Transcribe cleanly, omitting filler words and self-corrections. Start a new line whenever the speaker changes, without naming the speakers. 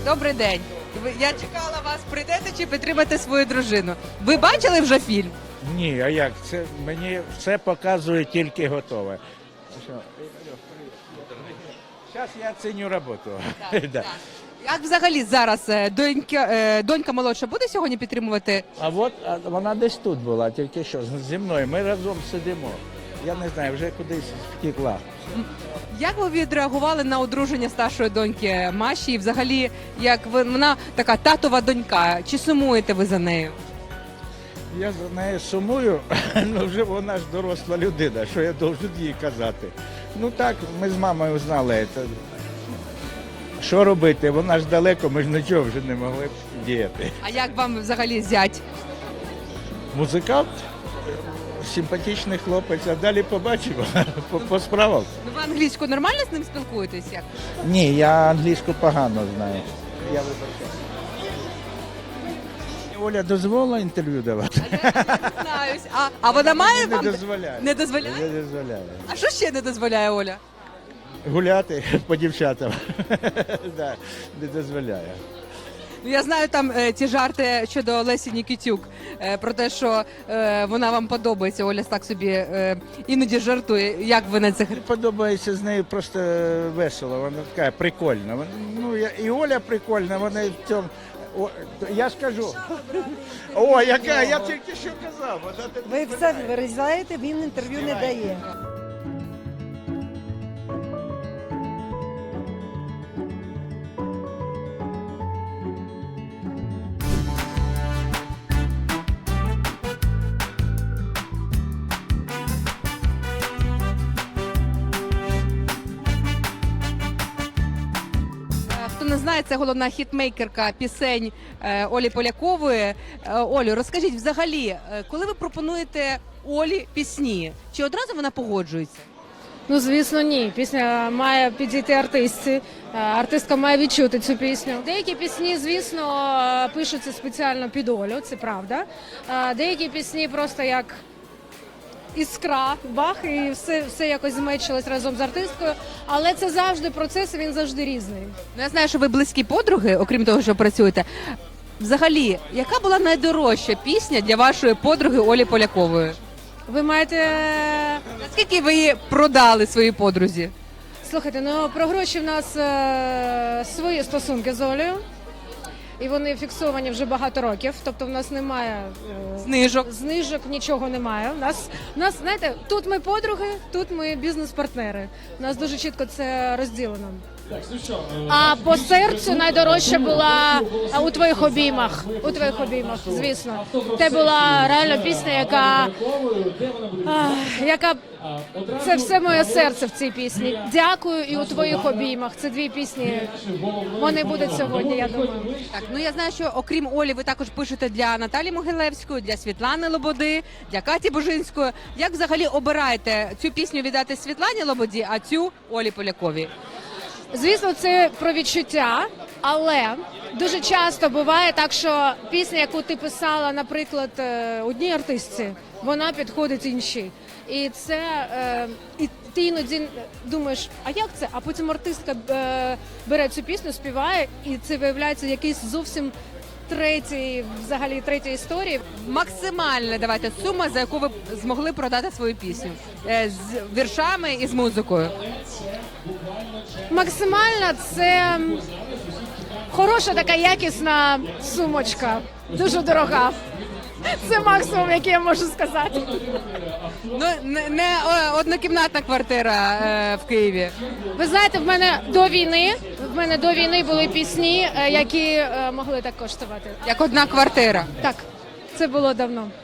Добрий день. Я чекала вас, прийдете чи підтримати свою дружину. Ви бачили вже фільм?
Ні, а як? Це мені все показує тільки готове. Зараз я ціню роботу. Да.
Як взагалі зараз донька молодша буде сьогодні підтримувати?
А от вона десь тут була, тільки що зі мною. Ми разом сидимо. Я не знаю, вже кудись втекла.
Як ви відреагували на одруження старшої доньки Маші? І взагалі, як вона така татова донька, чи сумуєте ви за нею?
Я за нею сумую, ну вже вона ж доросла людина, що я должен їй казати. Ну так, ми з мамою знали це. Що робити? Вона ж далеко, ми ж нічого вже не могли б діяти.
А як вам взагалі зять?
Музикант, симпатичний хлопець, а далі побачимо по справах.
Ну, ви англійською нормально з ним спілкуєтесь? Як?
Ні, я англійську погано знаю. Я вибачаю. Оля дозволила інтерв'ю давати?
Знаюсь. А вона має
Не
вам?
дозволяє.
Не дозволяє?
Не дозволяє.
А що ще не дозволяє Оля?
Гуляти по дівчатам. Да, не дозволяє.
Ну, я знаю там ті жарти щодо Лесі Нікітюк, про те, що вона вам подобається. Оля так собі іноді жартує. Як ви на це?
Подобається з нею просто весело, вона така прикольна. Ну, і Оля прикольна, вона в цьому. Я ж кажу. О, яка, я тільки що казав.
Ви все вирізаєте, він інтерв'ю не дає.
Хто не знає, це головна хітмейкерка пісень Олі Полякової. Олю, розкажіть взагалі, коли ви пропонуєте Олі пісні, чи одразу вона погоджується?
Ну, звісно, ні. Пісня має підійти артистці. Артистка має відчути цю пісню. Деякі пісні, звісно, пишуться спеціально під Олю, це правда. Деякі пісні просто як іскра, бах, і все якось змечилось разом з артисткою. Але це завжди процес, він завжди різний.
Ну, я знаю, що ви близькі подруги, окрім того, що працюєте. Взагалі, яка була найдорожча пісня для вашої подруги Олі Полякової?
Ви маєте...
Наскільки ви її продали своїй подрузі?
Слухайте, ну про гроші в нас свої стосунки з Олею. І вони фіксовані вже багато років, тобто в нас немає знижок, нічого немає. У нас, знаєте, тут ми подруги, тут ми бізнес-партнери. У нас дуже чітко це розділено. А по серцю найдорожча була у твоїх обіймах. У твоїх обіймах, звісно. Це була реально пісня, яка це все моє серце в цій пісні. Дякую і у твоїх обіймах. Це дві пісні. Вони будуть сьогодні, я думаю.
Так, ну я знаю, що окрім Олі, ви також пишете для Наталі Могилевської, для Світлани Лободи, для Каті Бужинської. Як взагалі обираєте цю пісню віддати Світлані Лободі, а цю Олі Поляковій?
Звісно, це про відчуття, але дуже часто буває так, що пісня, яку ти писала, наприклад, одній артистці, вона підходить іншій. І це і ти іноді думаєш, а як це? А потім артистка бере цю пісню, співає, і це виявляється якийсь зовсім третя історія.
Максимальна, давайте, сума, за яку ви змогли продати свою пісню. З віршами і з музикою.
Максимальна – це хороша така якісна сумочка, дуже дорога. Це максимум, який я можу сказати.
Ну, не однокімнатна квартира в Києві.
Ви знаєте, в мене до війни були пісні, які могли так коштувати.
Як одна квартира.
Так, це було давно.